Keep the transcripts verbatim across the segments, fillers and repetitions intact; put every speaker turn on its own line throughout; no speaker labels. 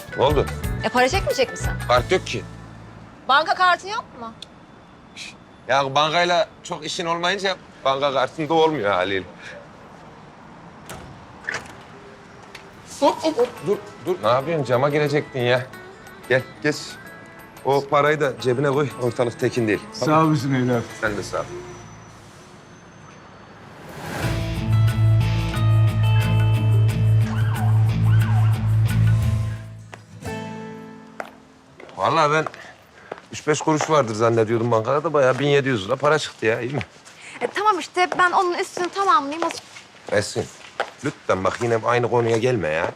Ne oldu?
E para çekmeyecek misin?
Kart yok ki.
Banka kartın yok mu?
Ya bankayla çok işin olmayınca banka kartında olmuyor haliyle. Hop hop hop. Dur dur. Ne yapıyorsun? Cama girecektin ya. Gel geç. O parayı da cebine koy. Ortalık tekin değil.
Sağ olasın evlat.
Sen de sağ ol. Vallahi ben üç beş kuruş vardır zannediyordum bankada da bayağı bin yedi yüz lira para çıktı ya, iyi mi?
E, tamam işte ben onun üstünü tamamlayayım. O-
Esin, lütfen bak yine aynı konuya gelme ya.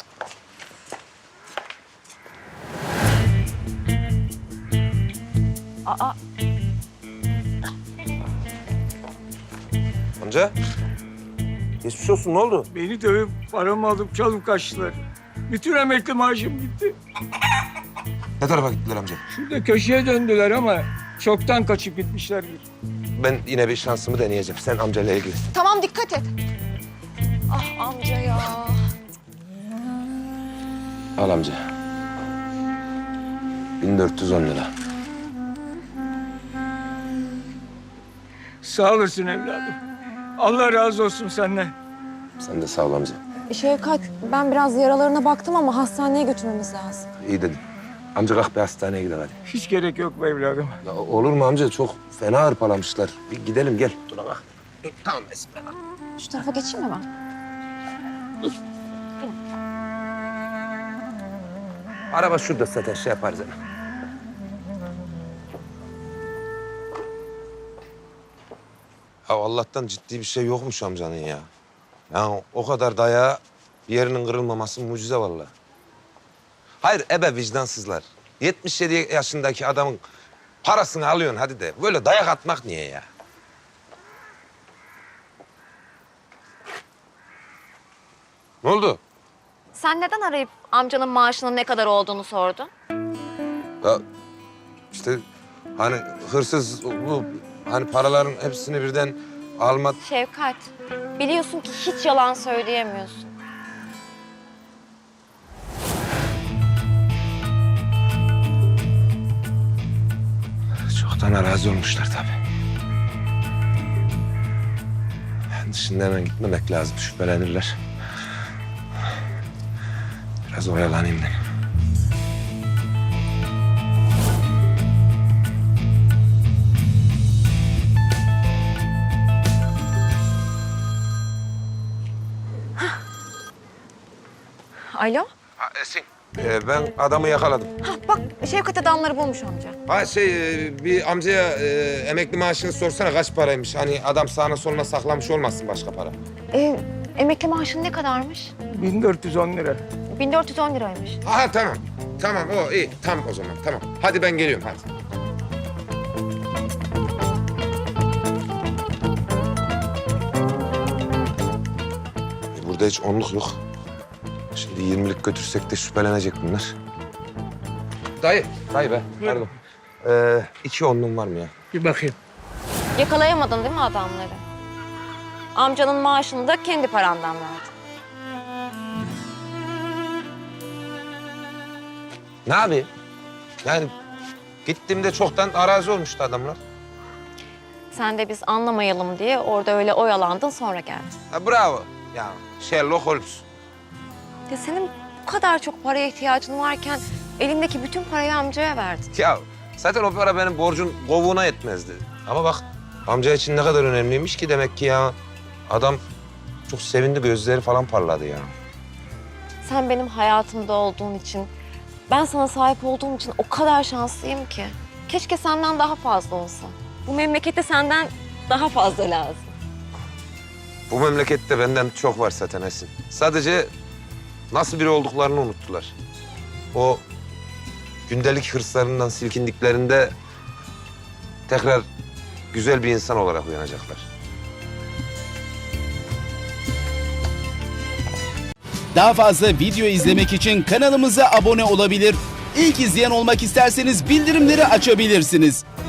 Aa,
Amca, geçmiş olsun, ne oldu?
Beni dövüp paramı alıp çalıp kaçtılar. Bütün emekli maaşım gitti.
Ne tarafa gittiler amca?
Şurada köşeye döndüler ama çoktan kaçıp gitmişlerdir.
Ben yine bir şansımı deneyeceğim. Sen amcayla ilgili.
tamam dikkat et. Ah amca ya.
Al amca. bin dört yüz on lira.
Sağ olasın evladım. Allah razı olsun senden.
Sen de sağ ol amca.
Şevkat ben biraz yaralarına baktım ama hastaneye götürmemiz lazım.
İyi dedin. Amca kalk bir hastaneye gidelim hadi.
Hiç gerek yok be evladım.
Ya olur mu amca? Çok fena hırpalamışlar. Bir gidelim gel. Dur bak. Tamam Esin.
Şu tarafa geçeyim mi ben?
Araba şurada zaten şey yaparız hemen. Ya Allah'tan ciddi bir şey yokmuş amcanın ya. Ya o kadar dayağı bir yerinin kırılmaması mucize vallahi. Hayır ebe vicdansızlar. yetmiş yedi yaşındaki adamın parasını alıyorsun hadi de. Böyle dayak atmak niye ya? Ne oldu?
Sen neden arayıp amcanın maaşının ne kadar olduğunu sordun?
Ya işte hani hırsız bu hani paraların hepsini birden alma...
Şevkat, biliyorsun ki hiç yalan söyleyemiyorsun.
Çoktan arazi olmuşlar tabii. Şimdi hemen gitmemek lazım, şüphelenirler. Biraz oyalanayım dedim.
Alo?
Ha, Esin. Ee, ben adamı yakaladım.
Ha bak Şevkat adamları bulmuş amca.
Ha şey, e, bir amcaya e, emekli maaşını sorsana kaç paraymış? Hani adam sağına soluna saklamış olmasın başka para.
Ee, emekli maaşın ne kadarmış?
bin dört yüz on lira.
bin dört yüz on liraymış.
Aha tamam. Tamam o iyi. Tam o zaman tamam. Hadi ben geliyorum hadi. E, burada hiç onluk yok. Şimdi yirmilik götürsek de şüphelenecek bunlar. Dayı, dayı be. Pardon. Ee, iki onluğun var mı ya?
Bir bakayım.
Yakalayamadın değil mi adamları? Amcanın maaşını da kendi parandan verdin.
Ne yapayım? Yani gittiğimde çoktan arazi olmuştu adamlar.
Sen de biz anlamayalım diye orada öyle oyalandın sonra geldin.
Ha, bravo. Ya Sherlock Holmes.
Ya senin bu kadar çok paraya ihtiyacın varken elindeki bütün parayı amcaya verdin.
Ya zaten o para benim borcun kovuğuna yetmezdi. Ama bak amca için ne kadar önemliymiş ki demek ki ya. Adam çok sevindi, gözleri falan parladı ya.
Sen benim hayatımda olduğun için, ben sana sahip olduğum için o kadar şanslıyım ki. Keşke senden daha fazla olsa. Bu memlekette senden daha fazla lazım.
Bu memlekette benden çok var zaten Esin. Sadece nasıl biri olduklarını unuttular. O gündelik hırslarından silkindiklerinde tekrar güzel bir insan olarak uyanacaklar.
Daha fazla video izlemek için kanalımıza abone olabilir. İlk izleyen olmak isterseniz bildirimleri açabilirsiniz.